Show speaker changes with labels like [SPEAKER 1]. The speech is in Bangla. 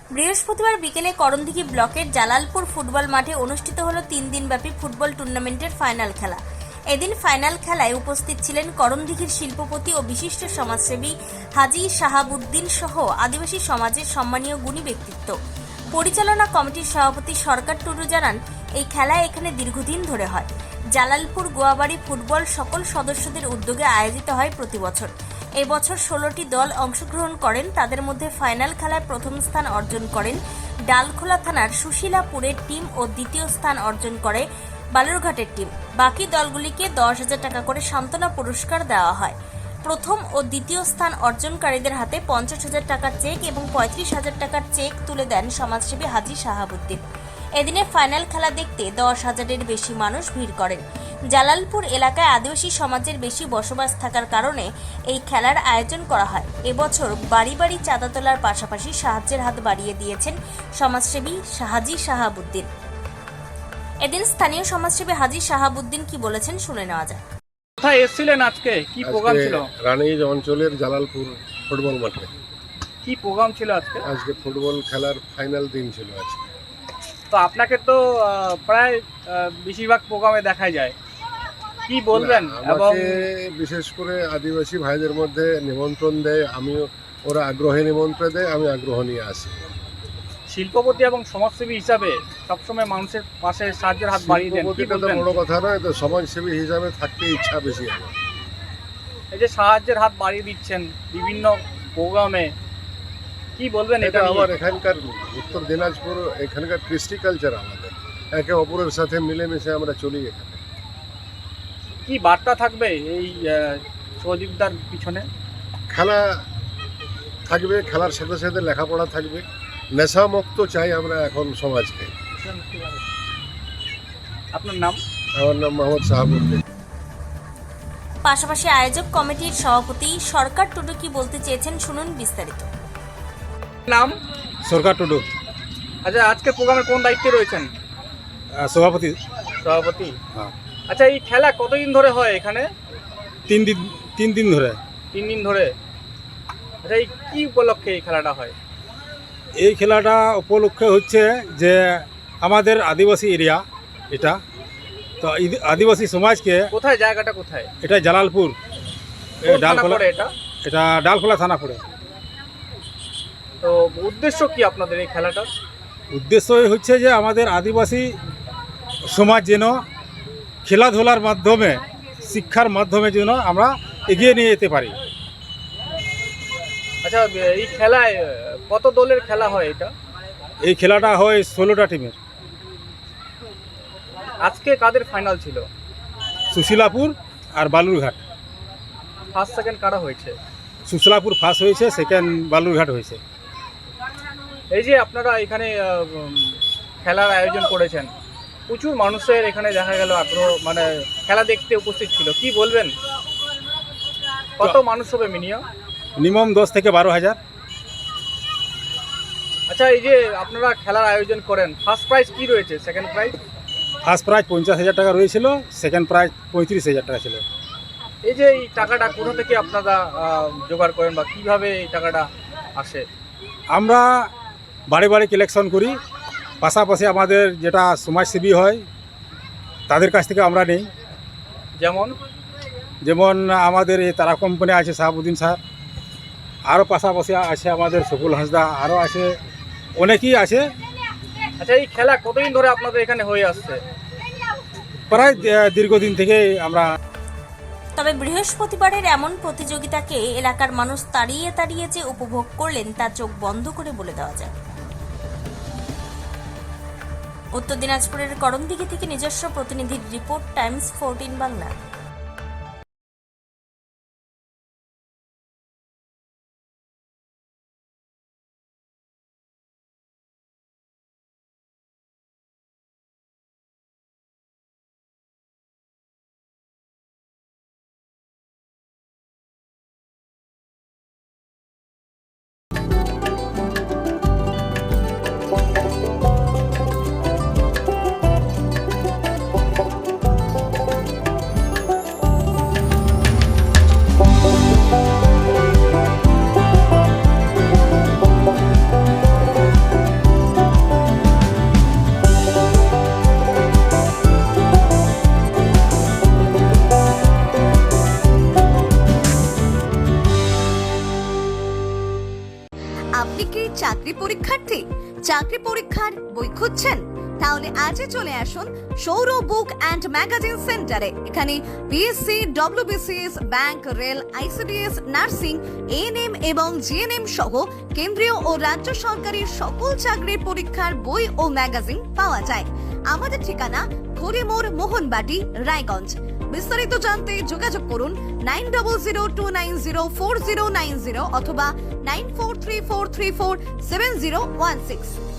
[SPEAKER 1] বৃহস্পতিবার বিকেলে করণদিঘি ব্লকের জালালপুর ফুটবল মাঠে অনুষ্ঠিত হলো 3 দিনব্যাপী ফুটবল টুর্নামেন্টের ফাইনাল খেলা। এদিন ফাইনাল খেলায় উপস্থিত ছিলেন করণদিঘির শিল্পপতি ও বিশিষ্ট সমাজসেবী হাজী শাহাবুদ্দিন সহ আদিবাসী সমাজের সম্মানীয় গুণী ব্যক্তিত্ব। পরিচালনা কমিটির সভাপতি সরকার টুডু জানান, এই খেলা এখানে দীর্ঘদিন ধরে হয়। জালালপুর গোয়াবাড়ি ফুটবল সকল সদস্যদের উদ্যোগে আয়োজিত হয় প্রতি বছর। এবছর 16টি দল অংশগ্রহণ করেন। তাদের মধ্যে ফাইনাল খেলায় প্রথম স্থান অর্জন করেন ডালখোলা থানার সুশীলাপুরের টিম ও দ্বিতীয় স্থান অর্জন করে বালুরঘাটের টিম। বাকি দলগুলিকে 10,000 টাকা করে সান্ত্বনা পুরস্কার দেওয়া হয়। প্রথম ও দ্বিতীয় স্থান অর্জনকারীদের হাতে 50,000 টাকার চেক এবং 35,000 টাকার চেক তুলে দেন সমাজসেবী হাজী শাহাবুদ্দিন। এদিনে ফাইনাল খেলা দেখতে 10,000-এর বেশি মানুষ ভিড় করেন। জালালপুর এলাকায় আদিবাসী সমাজের বেশি বসবাস থাকার কারণে এই খেলার আয়োজন করা হয়। এবছর বাড়ি বাড়ি চাঁদা তোলার পাশাপাশি সাহায্যের হাত বাড়িয়ে দিয়েছেন সমাজসেবী হাজী শাহাবুদ্দিন। এদিন স্থানীয় সমাজসেবী হাজী শাহাবুদ্দিন কি বলেছেন শুনে নেওয়া যায়।
[SPEAKER 2] কোথায় এসেছিলেন আজকে? কি প্রোগ্রাম ছিল?
[SPEAKER 3] রানীগঞ্জ অঞ্চলের জালালপুর ফুটবল মাঠে।
[SPEAKER 2] কি প্রোগ্রাম ছিল আজকে?
[SPEAKER 3] আজকে ফুটবল খেলার ফাইনাল দিন ছিল আজকে।
[SPEAKER 2] তো আপনাকে তো প্রায় বেশিরভাগ প্রোগ্রামে দেখা যায়, কি বলবেন? এবং
[SPEAKER 3] আমাকে বিশেষ করে আদিবাসী ভাইদের মধ্যে নিমন্ত্রণ দেয়, আমিও ওরা আগ্রহে নিমন্ত্রণ দেয়, আমি আগ্রহ নিয়ে আসি।
[SPEAKER 2] শিল্পপতি এবং সমাজসেবী হিসাবে সবসময় মানুষের পাশে সাহায্যের হাত বাড়িয়ে দেন, কি
[SPEAKER 3] শিল্পপতিটা তো
[SPEAKER 2] বলবেন?
[SPEAKER 3] বড় কথা নয়, তো সমাজসেবী হিসাবে থাকতে ইচ্ছা বেশি আমার।
[SPEAKER 2] এই যে সাহায্যের হাত বাড়িয়ে দিচ্ছেন বিভিন্ন প্রোগ্রামে, কি বলবেন এটা
[SPEAKER 3] এটা
[SPEAKER 2] নিয়ে?
[SPEAKER 3] আমার এখানকার উত্তর দিনাজপুর, এখানকার কৃষ্টি কালচার আমাদের, একে অপরের সাথে মিলেমিশে আমরা চলি। এখানে
[SPEAKER 2] কি বার্তা থাকবে এই সহযোগিতার পিছনে?
[SPEAKER 3] খেলা থাকবে, খেলার সাথে সাথে লেখাপড়া থাকবে, নেশামুক্ত চাই আমরা এখন সমাজকে।
[SPEAKER 2] আপনার নাম?
[SPEAKER 3] আমার নাম মোহাম্মদ শাহাবুদ্দিন।
[SPEAKER 1] পাশাপাশি আয়োজক কমিটির সভাপতি সরকার টুডু কি বলতে চেয়েছেন শুনুন বিস্তারিত।
[SPEAKER 2] নাম?
[SPEAKER 4] সরকার টুডু,
[SPEAKER 2] আচ্ছা, আজকে প্রোগ্রামের কোন দায়িত্বে রয়েছেন?
[SPEAKER 4] সভাপতি।
[SPEAKER 2] সভাপতি।
[SPEAKER 4] হ্যাঁ।
[SPEAKER 2] আচ্ছা, এই খেলা কতদিন ধরে হয় এখানে?
[SPEAKER 4] 3 দিন ধরে।
[SPEAKER 2] 3 দিন ধরে। আচ্ছা, এই কি উপলক্ষে এই খেলাটা হয়?
[SPEAKER 4] এই খেলাটা উপলক্ষে হচ্ছে যে আমাদের আদিবাসী এরিয়া এটা, তো আদিবাসী সমাজকে,
[SPEAKER 2] কোথায় জায়গাটা কোথায়?
[SPEAKER 4] এটা জালালপুর,
[SPEAKER 2] কোন থানা
[SPEAKER 4] ডালখোলা,
[SPEAKER 2] পড়ে এটা?
[SPEAKER 4] এটা ডালখোলা থানা পড়ে।
[SPEAKER 2] তো উদ্দেশ্য কি আপনাদের এই খেলাটার?
[SPEAKER 4] উদ্দেশ্যই হচ্ছে যে আমাদের আদিবাসী সমাজ যেন খেলাধুলার মাধ্যমে, শিক্ষার মাধ্যমে যেন আমরা এগিয়ে নিয়ে যেতে পারি।
[SPEAKER 2] আচ্ছা, এই খেলায় কত দলের খেলা হয় এটা?
[SPEAKER 4] এই খেলাটা হয় 16টা টিমের।
[SPEAKER 2] আজকে কাদের ফাইনাল ছিল?
[SPEAKER 4] সুশীলাপুর আর বালুরঘাট।
[SPEAKER 2] ফার্স্ট সেকেন্ড কারা হয়েছে?
[SPEAKER 4] সুশীলাপুর ফার্স্ট হয়েছে, সেকেন্ড বালুরঘাট হয়েছে।
[SPEAKER 2] এই যে আপনারা এখানে খেলার আয়োজন করেছেন, প্রচুর মানুষের এখানে দেখা গেল আগ্রহ, মানে খেলা দেখতে উপস্থিত ছিল, কি বলবেন? কত মানুষ হবে
[SPEAKER 4] মিনিমাম 10 থেকে 12,000।
[SPEAKER 2] আচ্ছা, এই যে আপনারা খেলার আয়োজন করেন, ফার্স্ট প্রাইজ কি রয়েছে, সেকেন্ড প্রাইজ?
[SPEAKER 4] ফার্স্ট প্রাইজ 50,000 টাকা রয়েছিল, সেকেন্ড প্রাইজ 35,000 টাকা ছিল।
[SPEAKER 2] এই যে এই টাকাটা কোথা থেকে আপনারা জোগাড় করেন বা কিভাবে এই টাকাটা আসে?
[SPEAKER 4] আমরা বাড়ি বাড়ি কালেকশন করি, পাশাপাশি আমাদের যেটা সমাজসেবী হয় তাদের কাছ থেকে আমরা নেই। যেমন আমাদের এই তারা কোম্পানি আছে শাহাবুদ্দিন স্যার, আরও পাশাপাশি আছে আমাদের সফুল হাসদা, আরও আছে, অনেকেই আছে।
[SPEAKER 2] আচ্ছা, এই খেলা কতদিন ধরে আপনাদের এখানে হয়ে আসছে?
[SPEAKER 4] প্রায় দীর্ঘদিন থেকে আমরা।
[SPEAKER 1] তবে বৃহস্পতিবারের এমন প্রতিযোগিতাকে এলাকার মানুষ তাড়িয়ে তাড়িয়ে যে উপভোগ করলেন তা চোখ বন্ধ করে বলে দেওয়া যায়। উত্তর দিনাজপুরের করণদিঘি থেকে নিজস্ব প্রতিনিধির রিপোর্ট, টাইমস 14 বাংলা।
[SPEAKER 5] আপনি কি চাকরি পরীক্ষার্থী? চাকরি পরীক্ষার বই খুঁজছেন? তাহলে আজই চলে আসুন সৌর বুক অ্যান্ড ম্যাগাজিন সেন্টারে। এখানে BSC, WBCS, bank, rail, ICDS, nursing, ANM এবং জিএনএম সহ কেন্দ্রীয় ও রাজ্য সরকারি সকল চাকরির পরীক্ষার বই ও ম্যাগাজিন পাওয়া যায়। আমাদের ঠিকানা খড়িমোড়, মোহনবাটি, রায়গঞ্জ। বিস্তারিত জানতে যোগাযোগ করুন 9002904090 অথবা 9434347016।